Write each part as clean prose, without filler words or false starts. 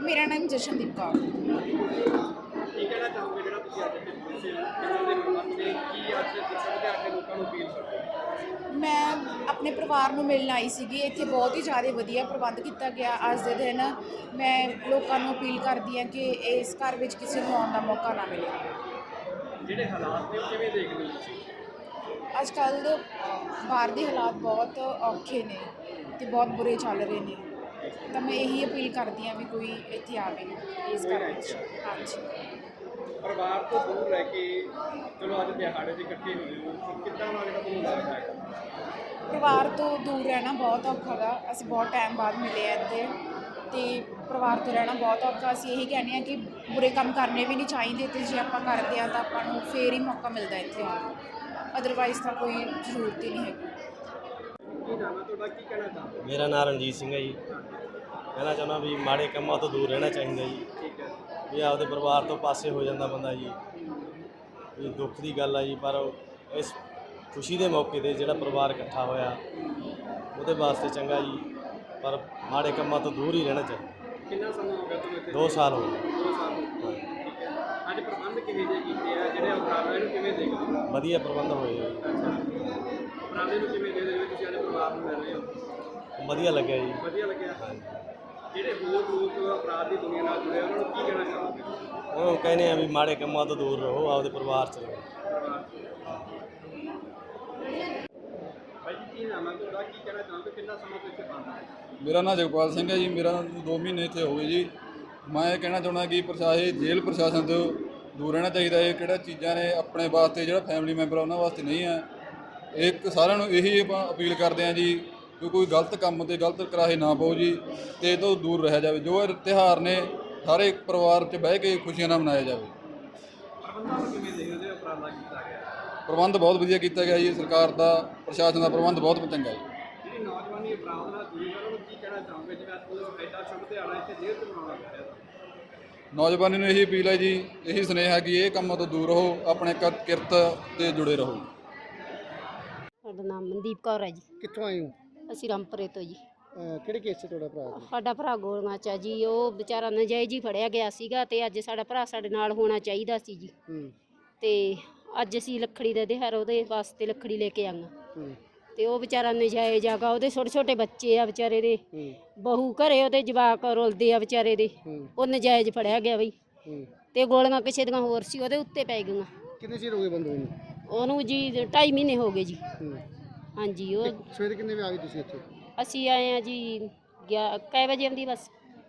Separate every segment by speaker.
Speaker 1: ਮੇਰਾ ਨਾਮ ਜਸ਼ਨਦੀਪ ਕੌਰ।
Speaker 2: ਕੀ ਕਹਿਣਾ ਚਾਹੋਗੇ ਜਿਹੜਾ ਤੁਸੀਂ ਅੱਜ ਦੇ ਕਿਸੇ ਇਹਨਾਂ ਦੇ ਪ੍ਰਬੰਧ ਦੇ ਕੀ ਅੱਜ ਸਮਝਦੇ ਆ ਕੇ ਲੋਕਾਂ ਨੂੰ ਅਪੀਲ ਕਰਦੇ ਹੋ?
Speaker 1: ਮੈਂ ਆਪਣੇ ਪਰਿਵਾਰ ਨੂੰ ਮਿਲਣ ਆਈ ਸੀਗੀ। ਇੱਥੇ ਬਹੁਤ ਹੀ ਜ਼ਿਆਦਾ ਵਧੀਆ ਪ੍ਰਬੰਧ ਕੀਤਾ ਗਿਆ। ਅੱਜ ਦੇ ਦਿਨ ਮੈਂ ਲੋਕਾਂ ਨੂੰ ਅਪੀਲ ਕਰਦੀ ਹਾਂ ਕਿ ਇਸ ਘਰ ਵਿੱਚ ਕਿਸੇ ਨੂੰ ਆਉਣ ਦਾ ਮੌਕਾ ਨਾ ਮਿਲੇ।
Speaker 2: ਜਿਹੜੇ ਹਾਲਾਤ ਨੇ ਉਹ ਕਿਵੇਂ ਦੇਖਦੇ ਹੋ ਤੁਸੀਂ?
Speaker 1: ਅੱਜ ਕੱਲ੍ਹ ਬਾਹਰ ਦੇ ਹਾਲਾਤ ਬਹੁਤ ਔਖੇ ਨੇ ਅਤੇ ਬਹੁਤ ਬੁਰੇ ਚੱਲ ਰਹੇ ਨੇ, ਤਾਂ ਮੈਂ ਇਹੀ ਅਪੀਲ ਕਰਦੀ ਹਾਂ ਵੀ ਕੋਈ ਇੱਥੇ ਆਵੇ ਇਸ ਘਰ ਵਿੱਚ। ਹਾਂਜੀ,
Speaker 2: ਪਰਿਵਾਰ ਤੋਂ ਦੂਰ ਰਹਿ ਕੇ ਚਲੋ ਅੱਜ ਦਿਹਾੜੇ 'ਚ ਇਕੱਠੇ ਹੋਏ ਹੋ, ਕਿੱਦਾਂ ਦਾ ਜਿਹੜਾ ਤੁਹਾਨੂੰ ਲੱਗਦਾ ਹੈ?
Speaker 1: ਪਰਿਵਾਰ ਤੋਂ ਦੂਰ ਰਹਿਣਾ ਬਹੁਤ ਔਖਾ ਗਾ। ਅਸੀਂ ਬਹੁਤ ਟਾਈਮ ਬਾਅਦ ਮਿਲੇ ਹਾਂ ਇੱਥੇ, ਅਤੇ ਪਰਿਵਾਰ ਤੋਂ ਰਹਿਣਾ ਬਹੁਤ ਔਖਾ। ਅਸੀਂ ਇਹੀ ਕਹਿੰਦੇ ਹਾਂ ਕਿ ਬੁਰੇ ਕੰਮ ਕਰਨੇ ਵੀ ਨਹੀਂ ਚਾਹੀਦੇ, ਅਤੇ ਜੇ ਆਪਾਂ ਕਰਦੇ ਹਾਂ ਤਾਂ ਆਪਾਂ ਨੂੰ ਫੇਰ ਹੀ ਮੌਕਾ ਮਿਲਦਾ ਇੱਥੇ ਆਉਣ ਨੂੰ, ਅਦਰਵਾਈਜ਼ ਤਾਂ ਕੋਈ ਜ਼ਰੂਰਤ ਹੀ ਨਹੀਂ ਹੈਗੀ।
Speaker 2: ਕੀ ਨਾਮ ਹੈ ਤੁਹਾਡਾ, ਕੀ ਕਹਿਣਾ ਚਾਹੁੰਦੇ ਹੋ?
Speaker 3: ਮੇਰਾ ਨਾਮ ਰਣਜੀਤ ਸਿੰਘ ਹੈ ਜੀ। ਕਹਿਣਾ ਚਾਹੁੰਦਾ ਵੀ ਮਾੜੇ ਕੰਮਾਂ ਤੋਂ ਦੂਰ ਰਹਿਣਾ ਚਾਹੀਦਾ ਜੀ।
Speaker 2: ਠੀਕ ਹੈ
Speaker 3: ਵੀ ਆਪਦੇ ਪਰਿਵਾਰ ਤੋਂ ਪਾਸੇ ਹੋ ਜਾਂਦਾ ਬੰਦਾ ਜੀ। ਇਹ ਦੁੱਖ ਦੀ ਗੱਲ ਆ ਜੀ, ਪਰ ਇਸ ਖੁਸ਼ੀ ਦੇ ਮੌਕੇ 'ਤੇ ਜਿਹੜਾ ਪਰਿਵਾਰ ਇਕੱਠਾ ਹੋਇਆ ਉਹਦੇ ਵਾਸਤੇ ਚੰਗਾ ਜੀ, ਪਰ ਮਾੜੇ ਕੰਮਾਂ ਤੋਂ ਦੂਰ ਹੀ ਰਹਿਣਾ ਚਾਹੀਦਾ।
Speaker 2: ਕਿੰਨਾ ਸਮਾਂ ਹੋ ਗਿਆ ਤੁਹਾਨੂੰ ਇੱਥੇ?
Speaker 3: 2 ਸਾਲ ਹੋ ਗਏ।
Speaker 2: 2 ਸਾਲ ਹੋ ਗਏ। ਠੀਕ ਹੈ, ਅੱਜ ਪ੍ਰਬੰਧ ਕਿਵੇਂ ਦੇ ਕੀਤੇ ਆ, ਜਿਹੜੇ ਉਪਰਾਲੇ ਨੂੰ ਕਿਵੇਂ ਦੇਖਦੇ ਹੋ?
Speaker 3: ਵਧੀਆ ਪ੍ਰਬੰਧ ਹੋਏ ਜੀ।
Speaker 2: ਉਪਰਾਲੇ ਨੂੰ ਕਿਵੇਂ ਦੇਖਦੇ ਹੋ? ਤੁਸੀਂ ਅੱਜ ਪਰਿਵਾਰ ਨੂੰ ਮਿਲ ਰਹੇ ਹੋ,
Speaker 3: ਵਧੀਆ ਲੱਗਿਆ ਜੀ।
Speaker 2: ਵਧੀਆ ਲੱਗਿਆ। ਜਿਹੜੇ ਹੋਰ ਲੋਕ ਅਪਰਾਧ ਦੀ ਦੁਨੀਆ ਨਾਲ ਜੁੜੇ ਉਹਨਾਂ ਨੂੰ ਕੀ ਕਹਿਣਾ ਚਾਹੋਗੇ?
Speaker 3: ਉਹ ਕਹਿੰਦੇ ਆ ਵੀ ਮਾੜੇ ਕੰਮਾਂ ਤੋਂ ਦੂਰ ਰਹੋ, ਆਪਦੇ ਪਰਿਵਾਰ 'ਚ ਰਹੋ।
Speaker 2: ਭਾਈ ਜੀ, ਕੀ ਨਾਮ ਹੈ ਤੁਹਾਡਾ, ਕੀ ਕਹਿਣਾ ਚਾਹੋਗੇ? ਕਿੰਨਾ ਸਮਾਂ ਤੋਂ ਇੱਥੇ ਬੰਦ ਹੈ?
Speaker 4: ਮੇਰਾ ਨਾਮ ਜਗਪਾਲ ਸਿੰਘ ਹੈ ਜੀ। ਮੇਰਾ 2 ਮਹੀਨੇ ਇੱਥੇ ਹੋ ਗਏ ਜੀ। ਮੈਂ ਇਹ ਕਹਿਣਾ ਚਾਹੁੰਦਾ ਕਿ ਜੇਲ੍ਹ ਪ੍ਰਸ਼ਾਸਨ ਤੋਂ ਦੂਰ ਰਹਿਣਾ ਚਾਹੀਦਾ। ਇਹ ਕਿਹੜਾ ਚੀਜ਼ਾਂ ਨੇ ਆਪਣੇ ਵਾਸਤੇ, ਜਿਹੜਾ ਫੈਮਿਲੀ ਮੈਂਬਰ ਆ ਉਹਨਾਂ ਵਾਸਤੇ ਨਹੀਂ ਹੈ। ਇੱਕ ਸਾਰਿਆਂ ਨੂੰ ਇਹੀ ਆਪਾਂ ਅਪੀਲ ਕਰਦੇ ਹਾਂ ਜੀ ਕਿ ਕੋਈ ਗਲਤ ਕੰਮ ਤੇ ਗਲਤ ਕਰਾਹੇ ਨਾ ਪਾਓ ਜੀ, ਅਤੇ ਇਹ ਤੋਂ ਦੂਰ ਰਹਿਆ ਜਾਵੇ। ਜੋ ਇਹ ਤਿਉਹਾਰ ਨੇ ਸਾਰੇ ਪਰਿਵਾਰ 'ਚ ਬਹਿ ਕੇ ਖੁਸ਼ੀਆਂ ਨਾਲ ਮਨਾਇਆ ਜਾਵੇ।
Speaker 2: ਪ੍ਰਬੰਧਾਂ ਨੂੰ ਕਿਵੇਂ ਦੇਖਦੇ ਹੋ? ਉਪਰਾਲਾ ਕੀਤਾ ਗਿਆ,
Speaker 4: ਪ੍ਰਬੰਧ ਬਹੁਤ ਵਧੀਆ ਕੀਤਾ ਗਿਆ ਜੀ। ਸਰਕਾਰ ਦਾ, ਪ੍ਰਸ਼ਾਸਨ ਦਾ ਪ੍ਰਬੰਧ ਬਹੁਤ ਚੰਗਾ ਹੈ।
Speaker 2: ਜਿਹੜੀ ਨੌਜਵਾਨੀ ਅਪਰਾਧ ਨਾਲ ਜੁੜੀ ਹੈ ਉਹਨਾਂ ਨੂੰ ਕੀ ਕਹਿਣਾ ਚਾਹੋਗੇ? ਜਿਵੇਂ ਅੱਜ ਕੋਈ ਐਡਾ ਸ਼ੁਭ ਦਿਹਾੜਾ ਇੱਥੇ ਜੇਲ੍ਹ 'ਚ ਮਨਾਉਣਾ ਪੈ ਰਿਹਾ?
Speaker 4: ਨੌਜਵਾਨੀ ਨੂੰ ਇਹੀ ਅਪੀਲ ਹੈ ਜੀ, ਇਹੀ ਸੁਨੇਹਾ ਕਿ ਇਹ ਕੰਮਾਂ ਤੋਂ ਦੂਰ ਰਹੋ, ਆਪਣੇ ਕਿਰਤ ਤੇ ਜੁੜੇ ਰਹੋ।
Speaker 5: ਸਾਡਾ ਨਾਮ ਮਨਦੀਪ ਕੌਰ ਹੈ ਜੀ।
Speaker 2: ਕਿੱਥੋਂ ਆਏ ਹੋ?
Speaker 5: ਅਸੀਂ ਰਾਮਪੁਰੇ ਤੋਂ ਜੀ।
Speaker 2: ਕਿਹੜੇ ਕੇਸ 'ਚ ਤੁਹਾਡਾ ਭਰਾ?
Speaker 5: ਸਾਡਾ ਭਰਾ ਗੋਲੀਆਂ 'ਚ ਆ ਜੀ। ਉਹ ਵਿਚਾਰਾ ਨਜਾਇਜ਼ ਹੀ ਫੜਿਆ ਗਿਆ ਸੀਗਾ, ਤੇ ਅੱਜ ਸਾਡਾ ਭਰਾ ਸਾਡੇ ਨਾਲ ਹੋਣਾ ਚਾਹੀਦਾ ਸੀ ਜੀ। ਤੇ ਅੱਜ ਅਸੀਂ ਲੱਕੜੀ ਦਾ ਦਿਹਾੜਾ ਉਹਦੇ ਵਾਸਤੇ ਲੱਕੜੀ ਲੈ ਕੇ ਆਈਆਂ, ਤੇ ਉਹ ਵਿਚਾਰਾ ਨਜਾਇਜ਼ ਆਗਾ। ਉਹਦੇ ਛੋਟੇ ਛੋਟੇ ਬੱਚੇ ਆ ਵਿਚਾਰੇ ਦੇ, ਬਹੂ ਘਰੇ ਉਹਦੇ ਜਵਾਕ ਰੁਲਦੇ ਆ ਵਿਚਾਰੇ ਦੇ। ਉਹ ਨਜਾਇਜ਼ ਫੜਿਆ ਗਿਆ ਬਈ, ਤੇ ਗੋਲੀਆਂ ਕਿਸੇ ਦੀਆਂ ਹੋਰ ਸੀ ਉਹਦੇ ਉੱਤੇ ਪੈ ਗਈਆਂ।
Speaker 2: ਕਿੰਨੇ ਚਿਰ ਹੋ ਗਏ ਬੰਦੇ ਨੂੰ?
Speaker 5: ਉਹਨੂੰ ਜੀ 2.5 ਮਹੀਨੇ ਹੋ ਗਏ ਜੀ। ਹਾਂਜੀ। ਉਹ
Speaker 2: ਸਵੇਰੇ ਕਿੰਨੇ ਵਜੇ ਆ ਗਏ ਤੁਸੀਂ ਇੱਥੇ?
Speaker 5: ਅਸੀਂ ਆਏ ਆ ਜੀ ਕੈ ਵਜੇ ਆਉਂਦੀ ਬੱਸ?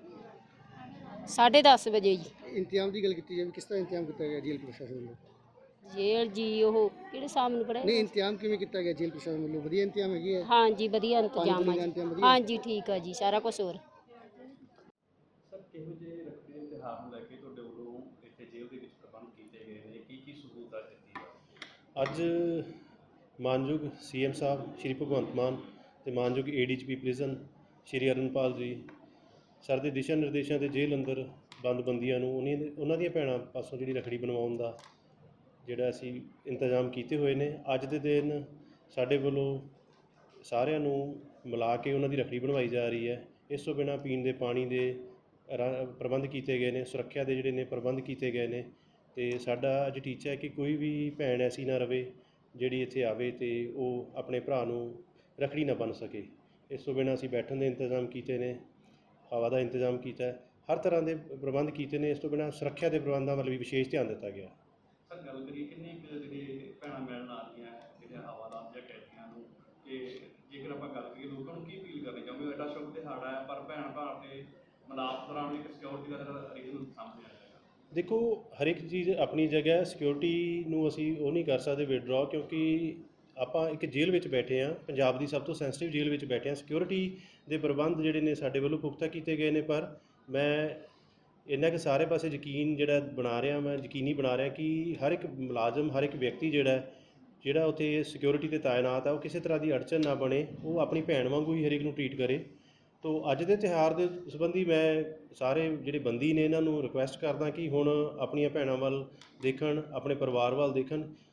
Speaker 5: 10:30 ਵਜੇ ਜੀ।
Speaker 2: ਇੰਤਜ਼ਾਮ ਦੀ ਗੱਲ ਕੀਤੀ ਜਾਵੇ, ਕਿਸ ਤਰ੍ਹਾਂ ਇੰਤਜ਼ਾਮ ਕੀਤਾ ਗਿਆ ਜੇਲ੍ਹ ਪ੍ਰਸ਼ਾਸਨ ਵੱਲੋਂ?
Speaker 5: ਜੇਲ੍ਹ ਜੀ ਉਹ ਕਿਹੜੇ ਸਾਹਮਣੇ ਨੂੰ ਪੜਿਆ?
Speaker 2: ਨਹੀਂ, ਇੰਤਜ਼ਾਮ ਕਿਵੇਂ ਕੀਤਾ ਗਿਆ ਜੇਲ੍ਹ ਪ੍ਰਸ਼ਾਸਨ ਵੱਲੋਂ? ਵਧੀਆ ਇੰਤਜ਼ਾਮ ਹੈਗੇ ਆ?
Speaker 5: ਹਾਂਜੀ, ਵਧੀਆ ਇੰਤਜ਼ਾਮ ਆ
Speaker 2: ਦਾ
Speaker 5: ਜੀ।
Speaker 2: ਇੰਤਜ਼ਾਮ ਵਧੀਆ?
Speaker 5: ਹਾਂਜੀ, ਠੀਕ ਆ ਜੀ, ਸਾਰਾ ਕੁਝ। ਹੋਰ
Speaker 3: ਸਰ, ਕਿਹੋ ਜਿਹੇ ਰੱਖੜੀ ਦੇ ਤਿਉਹਾਰ ਨੂੰ ਲੈ ਕੇ ਤੁਹਾਡੇ ਵੱਲੋਂ ਇੱਥੇ ਜੇਲ੍ਹ ਦੇ ਵਿੱਚ ਪ੍ਰਬੰਧ ਕੀਤੇ ਗਏ ਨੇ? ਕੀ ਸਹੂਲਤਾਂ ਦਿੱਤੀ ਹੈ? ਅੱਜ ਮਾਨਯੋਗ CM ਸਾਹਿਬ ਸ਼੍ਰੀ ਭਗਵੰਤ ਮਾਨ ਅਤੇ ਮਾਨਯੋਗ ADGP ਪ੍ਰਿਜ਼ਨ ਸ਼੍ਰੀ ਅਰਨਪਾਲ ਜੀ ਸਰ ਦੇ ਦਿਸ਼ਾ ਨਿਰਦੇਸ਼ਾਂ ਦੇ ਜੇਲ੍ਹ ਅੰਦਰ ਬੰਦੀਆਂ ਨੂੰ ਉਹਨਾਂ ਦੀਆਂ ਭੈਣਾਂ ਪਾਸੋਂ ਜਿਹੜੀ ਰੱਖੜੀ ਬਣਵਾਉਣ ਦਾ ਜਿਹੜਾ ਅਸੀਂ ਇੰਤਜ਼ਾਮ ਕੀਤੇ ਹੋਏ ਨੇ। ਅੱਜ ਦੇ ਦਿਨ ਸਾਡੇ ਵੱਲੋਂ ਸਾਰਿਆਂ ਨੂੰ ਮਿਲਾ ਕੇ ਉਹਨਾਂ ਦੀ ਰੱਖੜੀ ਬਣਵਾਈ ਜਾ ਰਹੀ ਹੈ। ਇਸ ਤੋਂ ਬਿਨਾਂ ਪੀਣ ਦੇ ਪਾਣੀ ਦੇ ਪ੍ਰਬੰਧ ਕੀਤੇ ਗਏ ਨੇ, ਸੁਰੱਖਿਆ ਦੇ ਜਿਹੜੇ ਨੇ ਪ੍ਰਬੰਧ ਕੀਤੇ ਗਏ ਨੇ। ਅਤੇ ਸਾਡਾ ਅੱਜ ਟੀਚਾ ਹੈ ਕਿ ਕੋਈ ਵੀ ਭੈਣ ਐਸੀ ਨਾ ਰਵੇ ਜਿਹੜੀ ਇੱਥੇ ਆਵੇ ਅਤੇ ਉਹ ਆਪਣੇ ਭਰਾ ਨੂੰ ਰੱਖੜੀ ਨਾ ਬੰਨ੍ਹ ਸਕੇ। ਇਸ ਤੋਂ ਬਿਨਾਂ ਅਸੀਂ ਬੈਠਣ ਦੇ ਇੰਤਜ਼ਾਮ ਕੀਤੇ ਨੇ, ਹਵਾ ਦਾ ਇੰਤਜ਼ਾਮ ਕੀਤਾ ਹੈ, ਹਰ ਤਰ੍ਹਾਂ ਦੇ ਪ੍ਰਬੰਧ ਕੀਤੇ ਨੇ। ਇਸ ਤੋਂ ਬਿਨਾਂ ਸੁਰੱਖਿਆ ਦੇ ਪ੍ਰਬੰਧਾਂ ਵੱਲ ਵੀ ਵਿਸ਼ੇਸ਼ ਧਿਆਨ ਦਿੱਤਾ ਗਿਆ।
Speaker 6: ਸਰ, ਗੱਲ ਕਰੀਏ ਕਿੰਨੀ ਜਿਹੜੇ ਭੈਣਾਂ ਮਿਲਣ ਆ ਰਹੀਆਂ ਜਿਹੜੇ ਹਵਾਦਾਰ ਜਾਂ ਕੈਦੀਆਂ ਨੂੰ, ਕਿ ਜੇਕਰ ਆਪਾਂ ਗੱਲ ਕਰੀਏ ਲੋਕਾਂ ਨੂੰ ਕੀ ਅਪੀਲ ਕਰਨੀ ਚਾਹੁੰਦੇ ਹੋ? ਐਡਾ ਸ਼ੁਭ ਦਿਹਾੜਾ ਹੈ, ਪਰ ਭੈਣ ਭਰਾ ਤੇ ਮਿਲਾਪ ਦੌਰਾਨ ਇੱਕ ਸਿਕਿਉਰਿਟੀ ਦਾ ਹਰੇਕ ਨੂੰ ਸਾਹਮਣੇ ਆ ਜਾਏਗਾ।
Speaker 3: ਦੇਖੋ, ਹਰ ਇੱਕ ਚੀਜ਼ ਆਪਣੀ ਜਗ੍ਹਾ। ਸਿਕਿਉਰਿਟੀ ਨੂੰ ਅਸੀਂ ਉਹ ਨਹੀਂ ਕਰ ਸਕਦੇ ਵਿਡਰਾਅ, ਕਿਉਂਕਿ ਆਪਾਂ ਇੱਕ ਜੇਲ੍ਹ ਵਿੱਚ ਬੈਠੇ ਹਾਂ, ਪੰਜਾਬ ਦੀ ਸਭ ਤੋਂ ਸੈਂਸਿਟਿਵ ਜੇਲ੍ਹ ਵਿੱਚ ਬੈਠੇ ਹਾਂ। ਸਿਕਿਉਰਿਟੀ ਦੇ ਪ੍ਰਬੰਧ ਜਿਹੜੇ ਨੇ ਸਾਡੇ ਵੱਲੋਂ ਪੁਖਤਾ ਕੀਤੇ ਗਏ ਨੇ, ਪਰ ਮੈਂ ਇੰਨਾ ਕਿ ਸਾਰੇ ਪਾਸੇ ਯਕੀਨੀ ਬਣਾ ਰਿਹਾ ਕਿ ਹਰ ਇੱਕ ਮੁਲਾਜ਼ਮ, ਹਰ ਇੱਕ ਵਿਅਕਤੀ ਜਿਹੜਾ ਉੱਥੇ ਸਿਕਿਉਰਿਟੀ 'ਤੇ ਤਾਇਨਾਤ ਆ, ਉਹ ਕਿਸੇ ਤਰ੍ਹਾਂ ਦੀ ਅੜਚਨ ਨਾ ਬਣੇ, ਉਹ ਆਪਣੀ ਭੈਣ ਵਾਂਗੂ ਹੀ ਹਰੇਕ ਨੂੰ ਟਰੀਟ ਕਰੇ। ਤੋ ਅੱਜ ਦੇ ਤਿਉਹਾਰ ਦੇ ਸੰਬੰਧੀ ਮੈਂ ਸਾਰੇ ਜਿਹੜੇ ਬੰਦੀ ਨੇ ਇਹਨਾਂ ਨੂੰ ਰਿਕੁਐਸਟ ਕਰਦਾ ਕਿ ਹੁਣ ਆਪਣੀਆਂ ਭੈਣਾਂ ਵੱਲ ਦੇਖਣ, ਆਪਣੇ ਪਰਿਵਾਰ ਵੱਲ ਦੇਖਣ,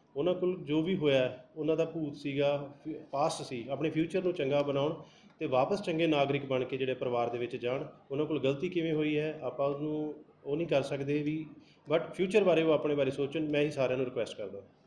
Speaker 3: ਉਹਨਾਂ ਕੋਲ ਜੋ ਵੀ ਹੋਇਆ ਉਹਨਾਂ ਦਾ ਭੂਤ ਸੀਗਾ, ਪਾਸਟ ਸੀ, ਆਪਣੇ ਫਿਊਚਰ ਨੂੰ ਚੰਗਾ ਬਣਾਉਣ ਅਤੇ ਵਾਪਸ ਚੰਗੇ ਨਾਗਰਿਕ ਬਣ ਕੇ ਜਿਹੜੇ ਪਰਿਵਾਰ ਦੇ ਵਿੱਚ ਜਾਣ। ਉਹਨਾਂ ਕੋਲ ਗਲਤੀ ਕਿਵੇਂ ਹੋਈ ਹੈ ਆਪਾਂ ਉਹਨੂੰ ਉਹ ਨਹੀਂ ਕਰ ਸਕਦੇ ਵੀ, ਬਟ ਫਿਊਚਰ ਬਾਰੇ ਉਹ ਆਪਣੇ ਬਾਰੇ ਸੋਚਣ। ਮੈਂ ਹੀ ਸਾਰਿਆਂ ਨੂੰ ਰਿਕੁਐਸਟ ਕਰਦਾ।